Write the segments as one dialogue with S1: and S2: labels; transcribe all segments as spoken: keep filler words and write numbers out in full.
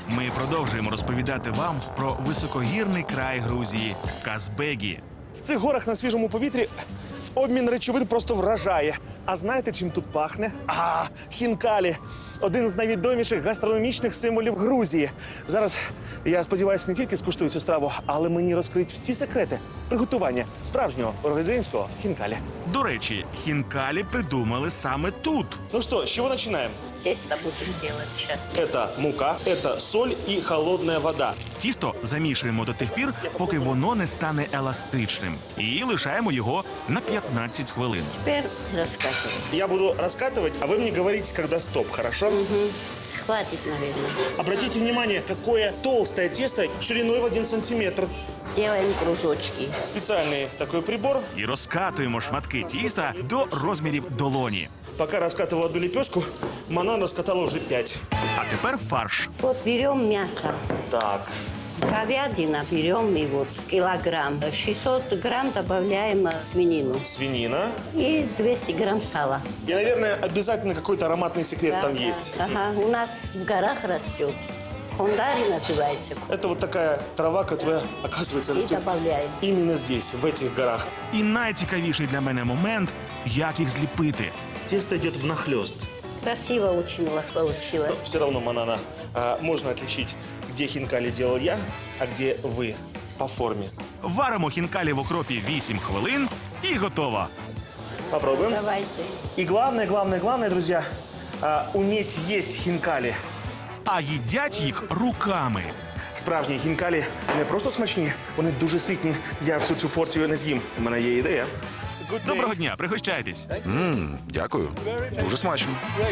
S1: Ми продовжуємо розповідати вам про високогірний край Грузії – Казбегі.
S2: В цих горах на свіжому повітрі обмін речовин просто вражає. А знаєте, чим тут пахне? А, хінкалі – один з найвідоміших гастрономічних символів Грузії. Зараз, я сподіваюся, не тільки скуштую цю страву, але мені розкриють всі секрети приготування справжнього грузинського хінкалі.
S1: До речі, хінкалі придумали саме тут.
S2: Ну що, з чого починаємо?
S3: Тесто будем делать сейчас.
S2: Это мука, это соль и холодная вода.
S1: Тісто замішуємо до тих пір, поки воно не стане еластичним. І лишаємо його на п'ятнадцять хвилин.
S3: Теперь раскатываем.
S2: Я буду раскатывать, а вы мне говорите, когда стоп, хорошо?
S3: Хватит, наверное.
S2: Обратите внимание, какое толстое тесто шириной в один сантиметр.
S3: Делаем кружочки.
S2: Специальный такой прибор.
S1: І розкатуємо шматки тіста до розмірів долоні.
S2: Пока раскатывал одну лепешку, Манан раскатала уже пять.
S1: А тепер фарш.
S3: Вот берем мясо.
S2: Так.
S3: Говядина берем и вот килограмм. шестьсот грамм добавляем э, свинину.
S2: Свинина.
S3: И двести грамм сала.
S2: И, наверное, обязательно какой-то ароматный секрет
S3: Да,
S2: там
S3: да.
S2: есть.
S3: Ага, у нас в горах растет. Хондари называется.
S2: Это вот такая трава, которая, оказывается,
S3: И
S2: растет
S3: добавляем.
S2: именно здесь, в этих горах.
S1: І найцікавіший для мене момент – як їх зліпити.
S2: Тесто идет внахлёст.
S3: Красиво очень у вас получилось.
S2: Все равно, Манана, а, можно отличить, где хинкали делал я, а где вы по форме.
S1: Варимо хінкалі в окропі вісім хвилин і готово.
S2: Попробуем.
S3: Давайте.
S2: И главное, главное, главное, друзья, а, уметь есть хинкали.
S1: А їдять їх руками.
S2: Справжні хінкалі не просто смачні, вони дуже ситні. Я всю цю порцію не з'їм. У мене є ідея.
S1: Доброго дня, пригощайтесь.
S4: Ммм, дякую. Дуже смачно.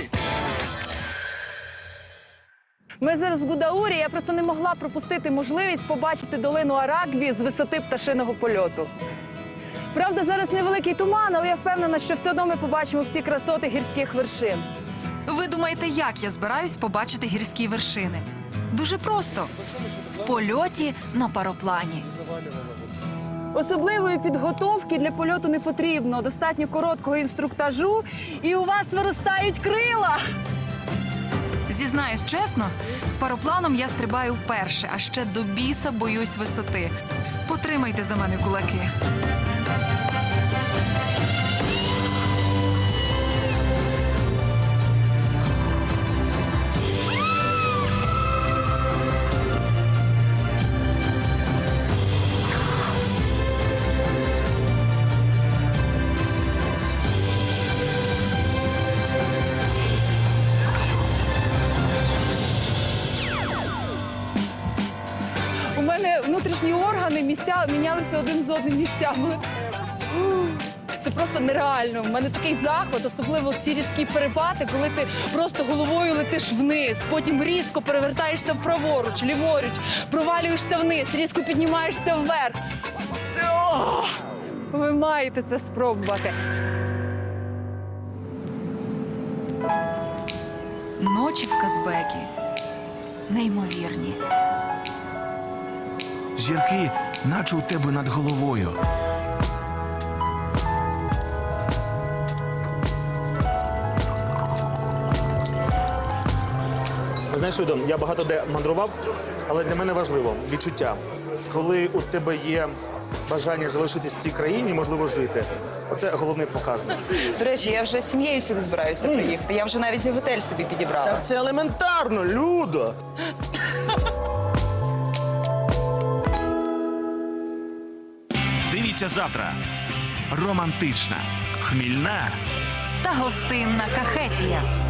S5: Ми зараз в Гудаурі, я просто не могла пропустити можливість побачити долину Аракві з висоти пташиного польоту. Правда, зараз невеликий туман, але я впевнена, що все одно ми побачимо всі красоти гірських вершин.
S6: Ви думаєте, як я збираюсь побачити гірські вершини? Дуже просто. В польоті на пароплані.
S5: Особливої підготовки для польоту не потрібно, достатньо короткого інструктажу, і у вас виростають крила.
S6: Зізнаюсь чесно, з паропланом я стрибаю вперше, а ще до біса боюсь висоти. Потримайте за мене кулаки.
S5: У мене внутрішні органи місця мінялися один з одним місцями. Ух, це просто нереально. У мене такий захват, особливо ці різкі перепади, коли ти просто головою летиш вниз, потім різко перевертаєшся праворуч, ліворуч, провалюєшся вниз, різко піднімаєшся вверх. Це... О! Ви маєте це спробувати.
S6: Ночі в Казбегі неймовірні.
S1: Зірки, наче у тебе над головою.
S2: Знаєш, Людо, я багато де мандрував, але для мене важливо відчуття. Коли у тебе є бажання залишитись в цій країні, можливо, жити. Оце головний показник.
S7: До речі, я вже з сім'єю сюди збираюся приїхати. Я вже навіть і готель собі підібрала.
S2: Так це елементарно, Людо!
S1: Дивіться завтра. Романтична, хмільна
S6: Та гостинна Кахетія.